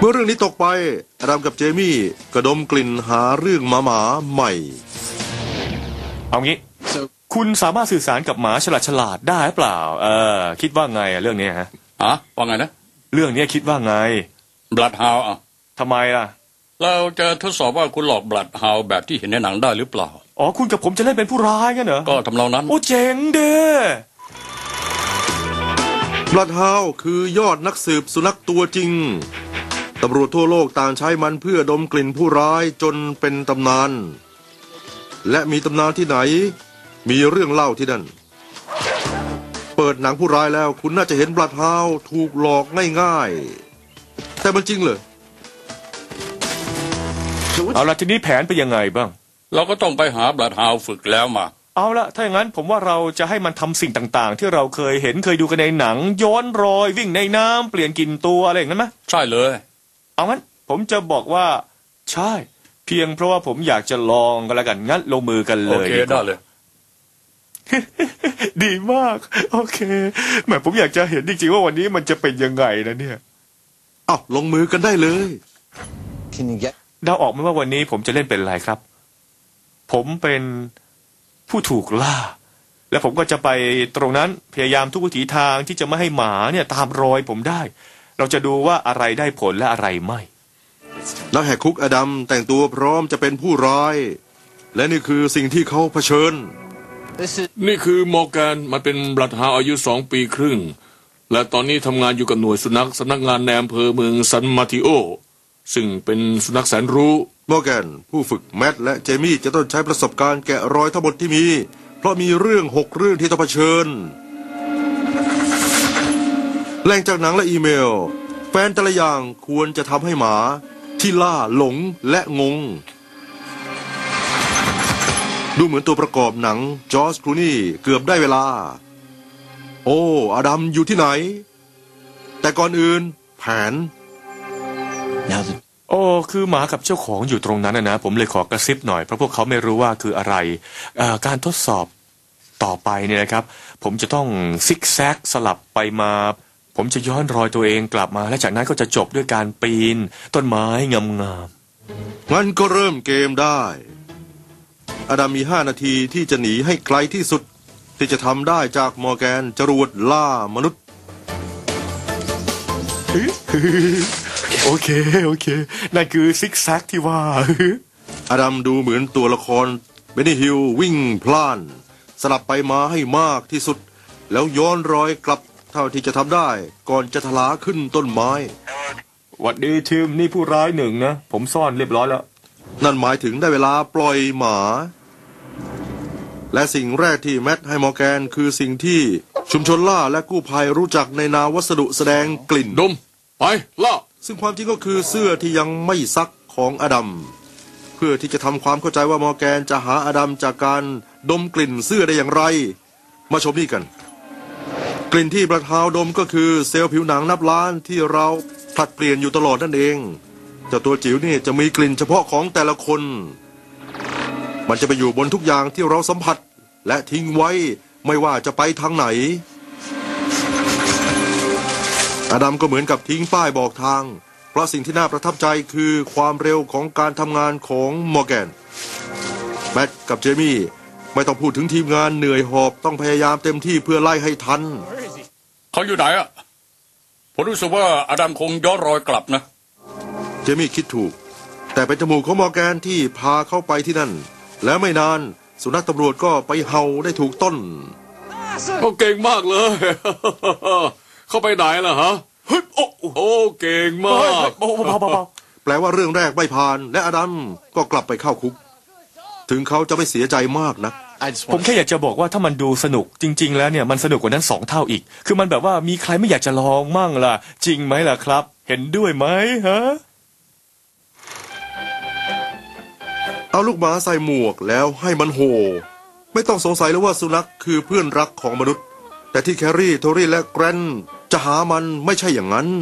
มื่อเรื่องนี้ตกไปอดัมกับเจมี่กระดมกลิ่นหาเรื่องหมาใหม่เอางี้คุณสามารถสื่อสารกับหมาฉลาดได้หรือเปล่าคิดว่าไงเรื่องนี้ฮะว่าไงนะเรื่องนี้คิดว่าไงบลัดฮาวทำไมล่ะเราจะทดสอบว่าคุณหลอกบลัดฮาวแบบที่เห็นในหนังได้หรือเปล่าอ๋อคุณกับผมจะเล่นเป็นผู้ร้ายกันเหรอก็ทำนองนั้นโอ้เจ๋งเด้บลัดฮาวคือยอดนักสืบสุนัขตัวจริงตำรวจทั่วโลกต่างใช้มันเพื่อดมกลิ่นผู้ร้ายจนเป็นตำนานและมีตำนานที่ไหนมีเรื่องเล่าที่นั่นเปิดหนังผู้ร้ายแล้วคุณน่าจะเห็นบลัดฮาวถูกหลอกง่ายๆแต่มันจริงเหรอเอาละทีนี้แผนไปยังไงบ้างเราก็ต้องไปหาบลัดฮาวฝึกแล้วมาเอาละถ้าอย่างนั้นผมว่าเราจะให้มันทำสิ่งต่างๆที่เราเคยเห็นเคยดูกันในหนังย้อนรอยวิ่งในน้ำเปลี่ยนกลิ่นตัวอะไรอย่างนั้นไหมใช่เลยเอางั้นผมจะบอกว่าใช่เพียงเพราะว่าผมอยากจะลองกันแล้วกันงั้นลงมือกันเลยโอเคได้เลยดีมากโอเคแหมผมอยากจะเห็นจริงๆว่าวันนี้มันจะเป็นยังไงนะเนี่ยลงมือกันได้เลยเดาออกไหมว่าวันนี้ผมจะเล่นเป็นอะไรครับผมเป็นผู้ถูกล่าและผมก็จะไปตรงนั้นพยายามทุกวิถีทางที่จะไม่ให้หมาเนี่ยตามรอยผมได้เราจะดูว่าอะไรได้ผลและอะไรไม่นักแหกคุกอดัมแต่งตัวพร้อมจะเป็นผู้ร้ายและนี่คือสิ่งที่เขาเผชิญนี่คือมอร์แกนมันเป็นบลัดฮาวอายุ2 ปีครึ่งและตอนนี้ทำงานอยู่กับหน่วยสุนัขสำนักงานในอำเภอเมืองซันมาติโอซึ่งเป็นสุนัขแสนรู้มอร์แกนผู้ฝึกแมทและเจมี่จะต้องใช้ประสบการณ์แกะรอยทั้งหมดที่มีเพราะมีเรื่อง6 เรื่องที่ต้องเผชิญแหล่งจากหนังและอีเมลแฟนแต่ละอย่างควรจะทำให้หมาที่ล่าหลงและงงดูเหมือนตัวประกอบหนังจอร์จคลูนี่เกือบได้เวลาโอ้อดัมอยู่ที่ไหนแต่ก่อนอื่นแผนโอ้คือหมากับเจ้าของอยู่ตรงนั้นนะผมเลยขอกระซิบหน่อยเพราะพวกเขาไม่รู้ว่าคืออะไรการทดสอบต่อไปเนี่ยนะครับผมจะต้องซิกแซกสลับไปมาผมจะย้อนรอยตัวเองกลับมาและจากนั้นก็จะจบด้วยการปีนต้นไม้งามๆงั้นก็เริ่มเกมได้อดัมมี5 นาทีที่จะหนีให้ไกลที่สุดที่จะทำได้จากมอร์แกนจรวดล่ามนุษย์โอเคนั่นคือซิกแซกที่ว่าอดัมดูเหมือนตัวละครเบนนี่ฮิลวิ่งพล่านสลับไปมาให้มากที่สุดแล้วย้อนรอยกลับเท่าที่จะทำได้ก่อนจะทลาขึ้นต้นไม้หวัดดีทีมนี่ผู้ร้าย1นะผมซ่อนเรียบร้อยแล้วนั่นหมายถึงได้เวลาปล่อยหมาและสิ่งแรกที่แมทให้มอร์แกนคือสิ่งที่ชุมชนล่าและกู้ภัยรู้จักในนามวัสดุแสดงกลิ่นดมไปล่าซึ่งความจริงก็คือเสื้อที่ยังไม่ซักของอดัมเพื่อที่จะทำความเข้าใจว่ามอร์แกนจะหาอดัมจากการดมกลิ่นเสื้อได้อย่างไรมาชมนี่กันกลิ่นที่บลัดฮาวดมก็คือเซลล์ผิวหนังนับล้านที่เราผลัดเปลี่ยนอยู่ตลอดนั่นเองเจ้าตัวจิ๋วนี่จะมีกลิ่นเฉพาะของแต่ละคนมันจะไปอยู่บนทุกอย่างที่เราสัมผัสและทิ้งไว้ไม่ว่าจะไปทางไหนอดัมก็เหมือนกับทิ้งป้ายบอกทางเพราะสิ่งที่น่าประทับใจคือความเร็วของการทำงานของมอร์แกนแมทกับเจมี่ไม่ต้องพูดถึงทีมงานเหนื่อยหอบต้องพยายามเต็มที่เพื่อไล่ให้ทันเขาอยู่ไหนผมรู้สึกว่าอดัมคงย้อนรอยกลับนะเจมี่คิดถูกแต่เป็นจมูกของมอร์แกนที่พาเข้าไปที่นั่นแล้วไม่นานสุนัขตำรวจก็ไปเห่าได้ถูกต้นเขาเก่งมากเลยเข้าไปไหนล่ะฮะโอ้เก่งมากแปลว่าเรื่องแรกไม่ผ่านและอดัมก็กลับไปเข้าคุกถึงเขาจะไม่เสียใจมากนะผมแค่อยากจะบอกว่าถ้ามันดูสนุกจริงๆแล้วเนี่ยมันสนุกกว่านั้น2 เท่าอีกคือมันแบบว่ามีใครไม่อยากจะลองมั่งล่ะจริงไหมล่ะครับเห็นด้วยไหมฮะเอาลูกหมาใส่หมวกแล้วให้มันโห่ไม่ต้องสงสัยเลยว่าสุนัขคือเพื่อนรักของมนุษย์แต่ที่แครี่โทรี่และแกรนจะหามันไม่ใช่อย่างนั้น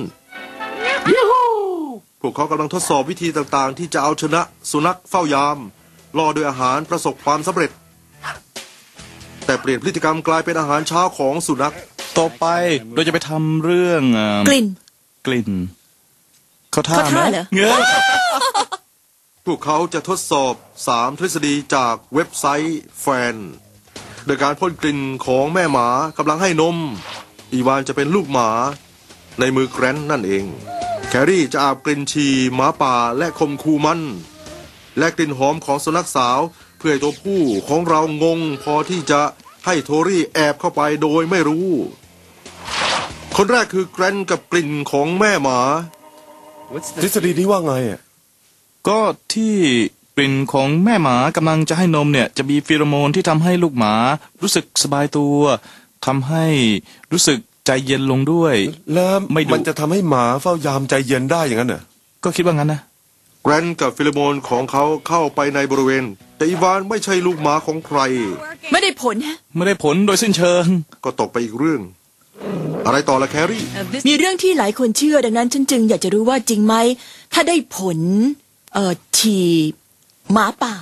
พวกเขากำลังทดสอบวิธีต่างๆที่จะเอาชนะสุนัขเฝ้ายามล่อด้วยอาหารประสบความสำเร็จแต่เปลี่ยนพฤติกรรมกลายเป็นอาหารเช้าของสุนัขต่อไปเราจะไปทำเรื่องกลิ่นเขาท่าเขาไหมท่าเหรอเงยพวกเขาจะทดสอบ 3 ทฤษฎีจากเว็บไซต์แฟน โดยการพ่นกลิ่นของแม่หมากำลังให้นม อีวานจะเป็นลูกหมาในมือแกรนท์นั่นเอง แครี่จะอาบกลิ่นฉี่หมาป่าและคมคูมัน และกลิ่นหอมของสุนัขสาวเพื่อให้ตัวผู้ของเรางงพอที่จะให้โทรี่แอบเข้าไปโดยไม่รู้ คนแรกคือแกรนท์กับกลิ่นของแม่หมาทฤษฎีนี้ว่าไงอ่ะก็ที่กลิ่นของแม่หมากำลังจะให้นมเนี่ยจะมีฟีโรโมนที่ทำให้ลูกหมารู้สึกสบายตัวทำให้รู้สึกใจเย็นลงด้วยแล้วไม่ดุมันจะทำให้หมาเฝ้ายามใจเย็นได้อย่างนั้นเหรอก็คิดว่างั้นนะแกรนท์กับฟิโลโมนของเขาเข้าไปในบริเวณ แต่อีวานไม่ใช่ลูกหมาของใครไม่ได้ผลฮะไม่ได้ผลโดยสิ้นเชิงก็ตกไปอีกเรื่อง อะไรต่อละแครี่มีเรื่องที่หลายคนเชื่อดังนั้นฉันจึงอยากจะรู้ว่าจริงไหมถ้าได้ผลฉี่หมาป่า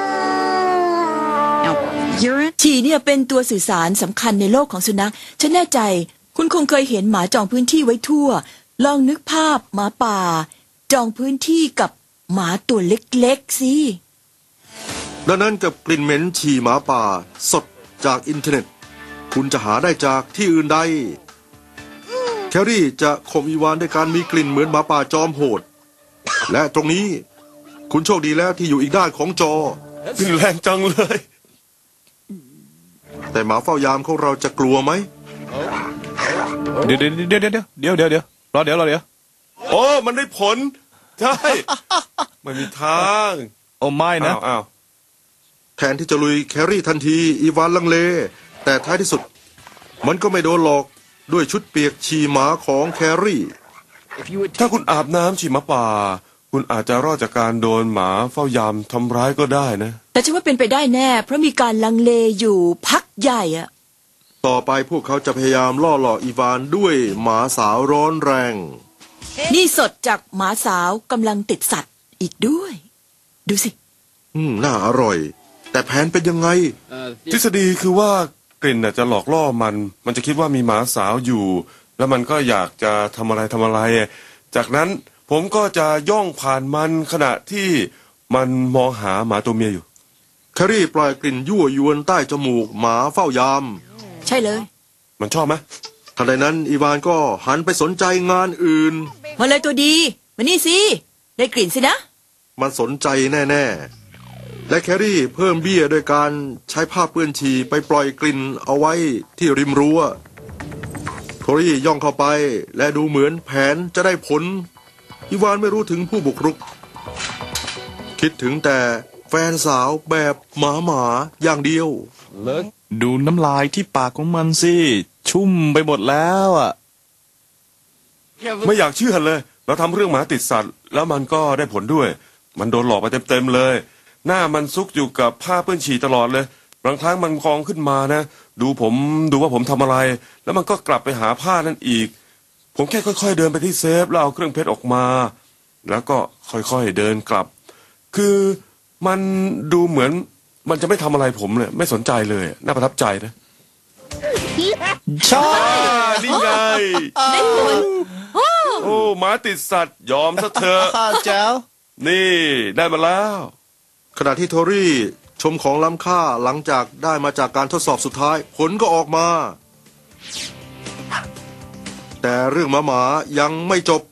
ฉี่เนี่ยเป็นตัวสื่อสารสำคัญในโลกของสุนัขฉันแน่ใจคุณคงเคยเห็นหมาจองพื้นที่ไว้ทั่ว ลองนึกภาพหมาป่า จองพื้นที่กับหมาตัวเล็กๆสิดังนั้นกับกลิ่นเหม็นฉี่หมาป่าสดจากอินเทอร์เน็ต คุณจะหาได้จากที่อื่นใด แครี่จะข่มอีวานด้วยการมีกลิ่นเหมือนหมาป่าจอมโหด และตรงนี้คุณโชคดีแล้วที่อยู่อีกด้านของจอนี่แรงจังเลยแต่หมาเฝ้ายามของเราจะกลัวไหมเดี๋ยวรอเดี๋ยวโอ้ มันได้ผล ใช่ ไม่มีทางโอ้ไม่นะอ้าวแทนที่จะลุยแครี่ทันทีอีวานลังเล แต่ท้ายที่สุด มันก็ไม่โดนหลอกด้วยชุดเปียกฉี่หมาของแครี่ถ้าคุณอาบน้ำฉี่หมาป่า คุณอาจจะรอดจากการโดนหมาเฝ้ายามทำร้ายก็ได้นะแต่ฉันว่าเป็นไปได้แน่เพราะมีการลังเลอยู่พักใหญ่อะต่อไปพวกเขาจะพยายามล่อหลอกอีวานด้วยหมาสาวร้อนแรงนี่สดจากหมาสาวกำลังติดสัตว์อีกด้วย ดูสิน่าอร่อย แต่แผนเป็นยังไงทฤษฎีคือว่ากลิ่นน่ะจะหลอกล่อมันจะคิดว่ามีหมาสาวอยู่ แล้วมันก็อยากจะทำอะไร จากนั้นผมก็จะย่องผ่านมันขณะที่มันมองหาหมาตัวเมียอยู่แครี่ปล่อยกลิ่นยั่วยวนใต้จมูกหมาเฝ้ายามใช่เลยมันชอบไหมทันใดนั้นอีวานก็หันไปสนใจงานอื่นมาเลยตัวดีมานี่สิได้กลิ่นสินะมันสนใจแน่ๆ และแครี่เพิ่มเบี้ยโดยการใช้ผ้าเปื้อนฉี่ไปปล่อยกลิ่นเอาไว้ที่ริมรั้วโทรี่ย่องเข้าไปและดูเหมือนแผนจะได้ผลอีวานไม่รู้ถึงผู้บุกรุก คิดถึงแต่แฟนสาวแบบหมาอย่างเดียวดูน้ำลายที่ปากของมันสิชุ่มไปหมดแล้วอ่ะไม่อยากเชื่อเลย เราทำเรื่องหมาติดสัตว์ แล้วมันก็ได้ผลด้วย มันโดนหลอกไปเต็มเลย หน้ามันซุกอยู่กับผ้าเปื้อนฉี่ตลอดเลยบางครั้งมันกองขึ้นมานะดูว่าผมทำอะไร แล้วมันก็กลับไปหาผ้านั่นอีก ผมแค่ค่อยๆเดินไปที่เซฟแล้วเอาเครื่องเพชรออกมา แล้วก็ค่อยๆเดินกลับ คือมันดูเหมือนมันจะไม่ทำอะไรผมเลยไม่สนใจเลยน่าประทับใจนะใช่นี่ไงได้ผลโอ้หมาติดสัตว์ยอมซะเถอะแจ๋วนี่ได้มาแล้วขณะที่โทรี่ชมของล้ำค่าหลังจากได้มาจากการทดสอบสุดท้ายผลก็ออกมา แต่เรื่องหมายังไม่จบ